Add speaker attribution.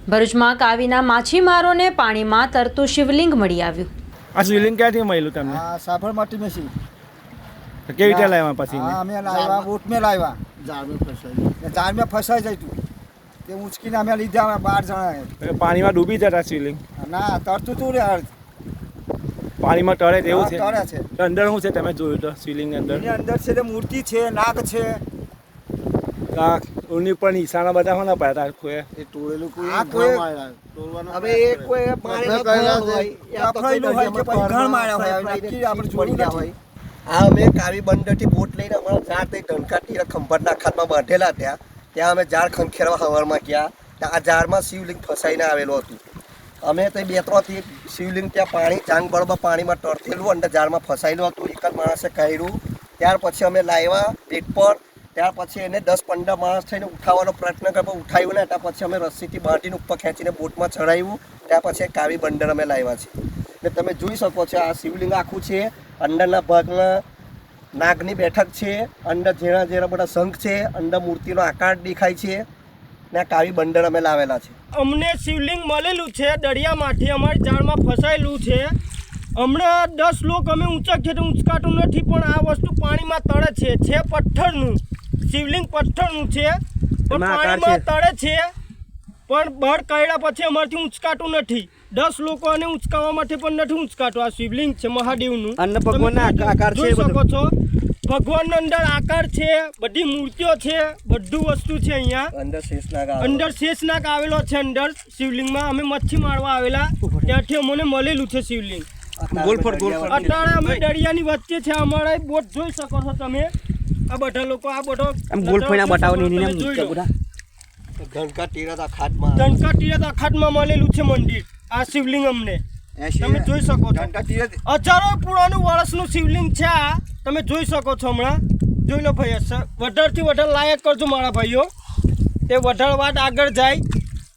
Speaker 1: ભરૂચમાં કાવીના માછીમારોને પાણીમાં તરતું શિવલિંગ મળી આવ્યું।
Speaker 2: આ શિવલિંગ ક્યાંથી મળ્યું તમને?
Speaker 3: આ સાબરમતી में सी
Speaker 2: કેવી રીતે લાવ્યા પછી?
Speaker 3: અમે લાવ્યા બોટ में લાવ્યા, જાળ में ફસાઈ જતું તે ઉંચકીને અમે લીધા, અમે 12 જણા।
Speaker 2: પાણીમાં ડૂબી જતા શિવલિંગ?
Speaker 3: ના, તરતું તું રે,
Speaker 2: પાણીમાં તળે તેવું છે?
Speaker 3: તળે છે।
Speaker 2: તો અંદર શું છે તમે જોયું તો શિવલિંગ અંદર?
Speaker 3: એની અંદર છે તે મૂર્તિ છે, નાગ છે।
Speaker 2: આ ઉની પર નિશાના બધા હોના પાડતા કોઈ
Speaker 3: એ તોડેલું કોઈ આ કોઈ હવે એ કોઈ પાણી અફળેલું હોય કે પછી ઘણ માર્યા હોય, નક્કી આપણે જોડી ગયા હોય।
Speaker 4: આ અમે કાવી બંદરથી બોટ લઈને અમારા ઝાડ થઈ ધનકાટી ખંભાતના ખાતમાં બાંધેલા ત્યાં અમે ઝાડ ખંખેરવા સવારમાં ગયા। ત્યાં આ ઝાડમાં શિવલિંગ ફસાઈને આવેલું હતું। અમે તો 2-3થી શિવલિંગ ત્યાં પાણી ચાંગ બળમાં પાણીમાં તરતેલું અંદર ઝાડમાં ફસાયેલું હતું। એક જ માણસે કર્યું, ત્યાર પછી અમે લાવ્યા પેટ પર, ત્યાર પછી એને 10-15 માણસ થઈને ઉઠાવવાનો પ્રયત્ન કર્યો, ઉઠાવ્યું ને ત્યાં પછી અમે રસ્સીથી બાંધીને ઉપર ખેંચીને બોટમાં ચડાવ્યું। ત્યાર પછી કાવી બંદર અમે લાવ્યા છે। ને તમે જોઈ શકો છો આ શિવલિંગ આખું છે, અંદરના ભાગમાં નાગની બેઠક છે, અંદર ઝીણા ઝીણા બધા શંખ છે, અંદર મૂર્તિનો આકાર દેખાય છે ને આ કાવી બંદર અમે લાવેલા છે।
Speaker 5: અમને શિવલિંગ મળેલું છે દરિયામાંથી, અમારી જાળમાં ફસાયેલું છે। હમણાં 10 લોકો અમે ઊંચા ખેતર ઊંચકાતું નથી, પણ આ વસ્તુ પાણીમાં તળે છે પથ્થરનું શિવલિંગ, પથ્થરનું છે પણ પાણીમાં તળે છે, પણ બળ કર્યા પછી અમારથી ઊંચકાતું નથી। 10 લોકો આને ઊંચકાવવા માટે પણ નથી ઊંચકાતું। આ શિવલિંગ છે મહાદેવનું,
Speaker 4: અન્ન ભગવાનના આકાર છે,
Speaker 5: જોઈ શકો છો। ભગવાનનો અંદર આકાર છે, બધી મૂર્તિઓ છે, બધું વસ્તુ છે અહીંયા। અંદર શેષનાગ આવેલો છે અંદર શિવલિંગમાં। અમે મચ્છી મારવા આવેલા, ત્યાંથી અમને મળેલું છે શિવલિંગ। અત્યારે અમે દરિયાની વચ્ચે છે, અમારા બોટ જોઈ શકો છો તમે। આ બધા લોકો આ બધો
Speaker 4: ધનકા તીરથ
Speaker 5: અખાતમાં મળેલું છે મંદિર આ શિવલિંગ અમને, તમે જોઈ શકો છો। હજારો પુરાણું વર્ષનું શિવલિંગ છે આ, તમે જોઈ શકો છો। હમણાં જોઈ લો ભાઈ, વધારેથી વધારે લાયક કરજો મારા ભાઈઓ, તે વધારે વાત આગળ જાય।